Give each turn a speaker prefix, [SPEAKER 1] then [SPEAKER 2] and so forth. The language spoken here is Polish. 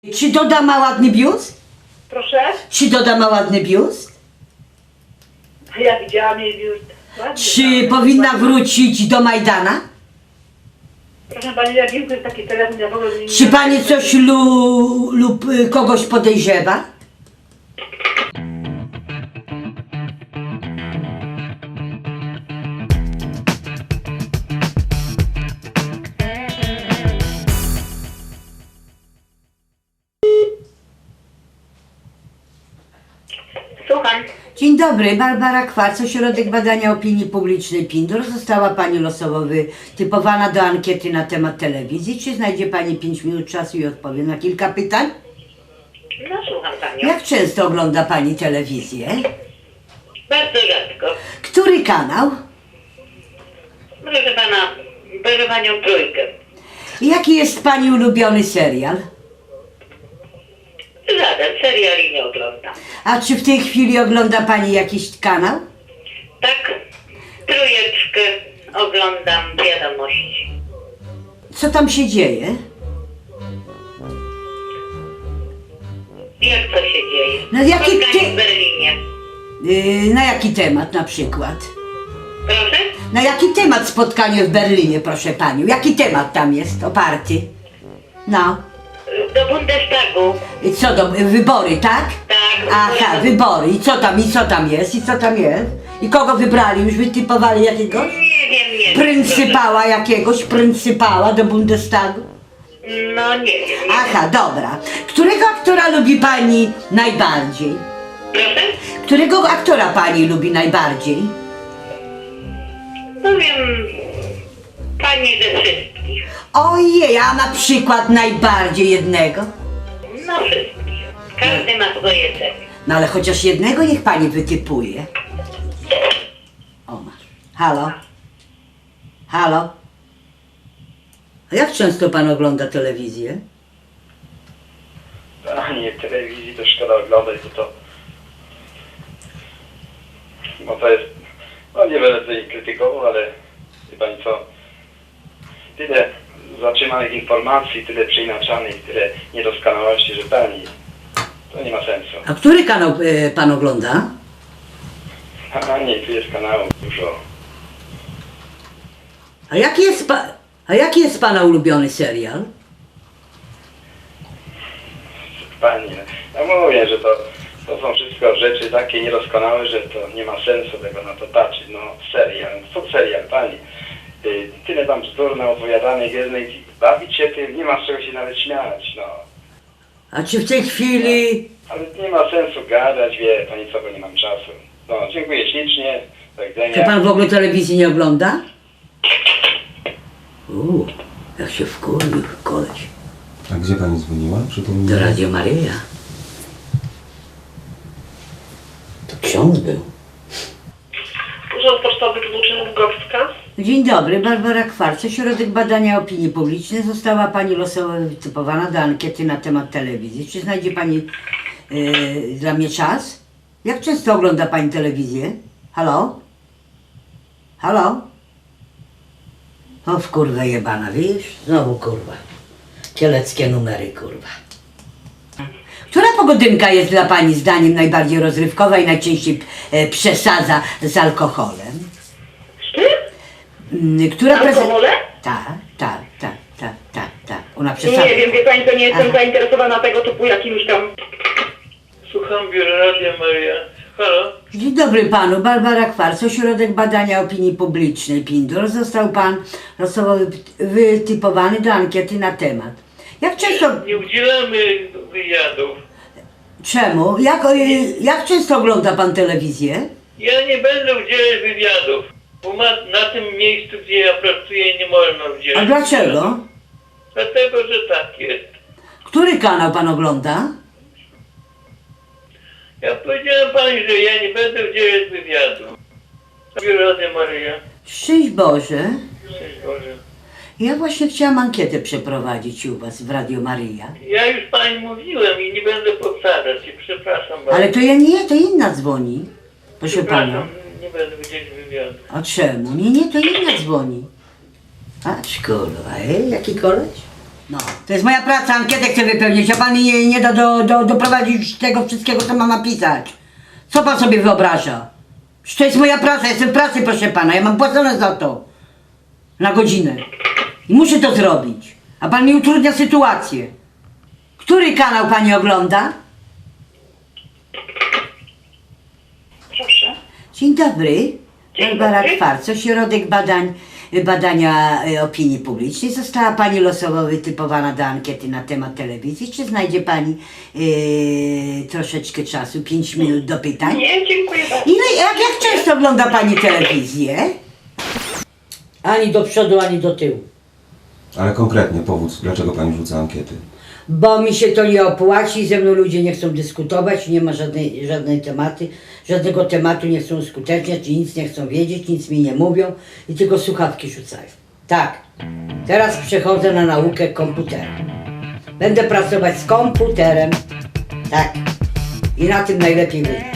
[SPEAKER 1] Czy Doda ma ładny biust?
[SPEAKER 2] Proszę?
[SPEAKER 1] Czy Doda ma ładny biust?
[SPEAKER 2] Ja widziałam jej biust. Ładnie,
[SPEAKER 1] Czy powinna wrócić do Majdana?
[SPEAKER 2] Proszę pani, ja wiem, to jest taki telefon, ja w ogóle nie...
[SPEAKER 1] Czy pani coś lub kogoś podejrzewa?
[SPEAKER 2] Słucham.
[SPEAKER 1] Dzień dobry, Barbara Kwarc, Ośrodek Badania Opinii Publicznej Pindor. Została pani losowo wytypowana do ankiety na temat telewizji. Czy znajdzie pani 5 minut czasu i odpowie na kilka pytań?
[SPEAKER 2] No słucham panią.
[SPEAKER 1] Jak często ogląda pani telewizję?
[SPEAKER 2] Bardzo rzadko.
[SPEAKER 1] Który kanał?
[SPEAKER 2] Proszę pana, proszę panią trójkę.
[SPEAKER 1] Jaki jest pani ulubiony serial?
[SPEAKER 2] Żaden seriali nie oglądam.
[SPEAKER 1] A czy w tej chwili ogląda pani jakiś kanał?
[SPEAKER 2] Tak, trójeczkę oglądam wiadomości.
[SPEAKER 1] Co tam się dzieje?
[SPEAKER 2] Jak to się dzieje?
[SPEAKER 1] No jaki
[SPEAKER 2] Spotkanie
[SPEAKER 1] ty-
[SPEAKER 2] w Berlinie.
[SPEAKER 1] Na jaki temat na przykład?
[SPEAKER 2] Proszę?
[SPEAKER 1] Na jaki temat spotkanie w Berlinie, proszę panią? Jaki temat tam jest oparty? No.
[SPEAKER 2] Do Bundestagu.
[SPEAKER 1] I co do wybory, tak?
[SPEAKER 2] Tak.
[SPEAKER 1] Aha, wybory. I co tam jest? I co tam jest? I kogo wybrali? Już wytypowali jakiegoś?
[SPEAKER 2] Nie wiem.
[SPEAKER 1] Pryncypała jakiegoś? Pryncypała do Bundestagu?
[SPEAKER 2] No nie wiem.
[SPEAKER 1] Aha, dobra. Którego aktora lubi pani najbardziej?
[SPEAKER 2] Proszę?
[SPEAKER 1] Którego aktora pani lubi najbardziej?
[SPEAKER 2] No wiem, pani ze wszystkich.
[SPEAKER 1] Ojej, a na przykład najbardziej jednego?
[SPEAKER 2] No wszystkich. Każdy ma swoje cechy.
[SPEAKER 1] No ale chociaż jednego niech pani wytypuje. O masz. Halo? Halo? A jak często pan ogląda telewizję?
[SPEAKER 3] A nie, telewizji to szkoda oglądać, bo to jest, no nie będę tutaj krytykował, ale wie pani co, tyle zatrzymanych informacji, tyle przeinaczanych, tyle niedoskonałości, że pani, to nie ma sensu.
[SPEAKER 1] A który kanał pan ogląda?
[SPEAKER 3] A nie, tu jest kanałów dużo.
[SPEAKER 1] A jaki jest pana ulubiony serial?
[SPEAKER 3] Pani, ja mówię, że to są wszystko rzeczy takie niedoskonałe, że to nie ma sensu tego na to patrzeć. No serial, co serial, pani? Tyle tam bzdur na opowiadanych jednej, bawić się tym, nie ma z czego się nawet śmiać, no.
[SPEAKER 1] A czy w tej chwili...
[SPEAKER 3] Ale nie ma sensu gadać, wie pani co, bo nie mam czasu. No, dziękuję ślicznie, do
[SPEAKER 1] Czy
[SPEAKER 3] widzenia.
[SPEAKER 1] pan w ogóle telewizji nie ogląda? Jak się wkurwił koleś.
[SPEAKER 4] A gdzie pani dzwoniła? Przypomnij.
[SPEAKER 1] Do Radio Maryja. To ksiądz był.
[SPEAKER 2] Urząd Pocztowy Dwuczyn-Lwowska.
[SPEAKER 1] Dzień dobry, Barbara Kwarc, Ośrodek Badania Opinii Publicznej. Została pani losowo wytypowana do ankiety na temat telewizji. Czy znajdzie pani dla mnie czas? Jak często ogląda pani telewizję? Halo? Halo? O w kurwę jebana, widzisz? Znowu kurwa. Kieleckie numery, kurwa. Która pogodynka jest dla pani zdaniem najbardziej rozrywkowa i najczęściej przesadza z alkoholem? Która
[SPEAKER 2] Alkohole?
[SPEAKER 1] Tak. Ona przesadza.
[SPEAKER 2] Nie wiem, wie pani, to nie jestem
[SPEAKER 1] Aha.
[SPEAKER 2] zainteresowana tego typu jakimś tam...
[SPEAKER 5] Słucham biura Radia Maria. Halo?
[SPEAKER 1] Dzień dobry panu, Barbara Kwarc, Ośrodek Badania Opinii Publicznej Pindor. Został pan losowo wytypowany do ankiety na temat. Jak często...
[SPEAKER 5] Nie udzielamy wywiadów.
[SPEAKER 1] Czemu? Jak często ogląda pan telewizję?
[SPEAKER 5] Ja nie będę udzielać wywiadów, bo na tym miejscu, gdzie ja pracuję, nie można udzielać.
[SPEAKER 1] A dlaczego?
[SPEAKER 5] wywiadów. Dlatego, że tak jest.
[SPEAKER 1] Który kanał pan ogląda?
[SPEAKER 5] Ja powiedziałem pani, że ja nie będę udzielać wywiadów. Biuro Radia Maria.
[SPEAKER 1] Szczęść Boże.
[SPEAKER 5] Szczęść Boże.
[SPEAKER 1] Ja właśnie chciałam ankietę przeprowadzić u was w Radio Maryja.
[SPEAKER 5] Ja już pani mówiłem i nie będę powtarzać i przepraszam bardzo.
[SPEAKER 1] Ale to ja nie, to inna dzwoni. Proszę pana.
[SPEAKER 5] Przepraszam, nie będę udzielać wywiadów.
[SPEAKER 1] A czemu? Nie, to inna dzwoni. Patrz kurwa, jaki koleś? No, to jest moja praca, ankietę chcę wypełnić, a pan mi nie da doprowadzić tego wszystkiego, co mam napisać. Co pan sobie wyobraża? Że to jest moja praca, jestem w pracy, proszę pana, ja mam płacone za to. Na godzinę. I muszę to zrobić. A pan mi utrudnia sytuację. Który kanał pani ogląda?
[SPEAKER 2] Proszę.
[SPEAKER 1] Dzień dobry.
[SPEAKER 2] Dzień
[SPEAKER 1] Barbara
[SPEAKER 2] dobry.
[SPEAKER 1] Kwarc, Ośrodek Badania Opinii Publicznej. Została pani losowo wytypowana do ankiety na temat telewizji. Czy znajdzie pani troszeczkę czasu, 5 minut do pytań?
[SPEAKER 2] Nie, dziękuję bardzo.
[SPEAKER 1] Jak często ogląda pani telewizję? Ani do przodu, ani do tyłu.
[SPEAKER 4] Ale konkretnie powód, dlaczego pani rzuca ankiety?
[SPEAKER 1] Bo mi się to nie opłaci, ze mną ludzie nie chcą dyskutować, nie ma żadnego tematu nie chcą uskuteczniać, i nic nie chcą wiedzieć, nic mi nie mówią i tylko słuchawki rzucają. Tak, teraz przechodzę na naukę komputera. Będę pracować z komputerem, tak, i na tym najlepiej wyjdzie.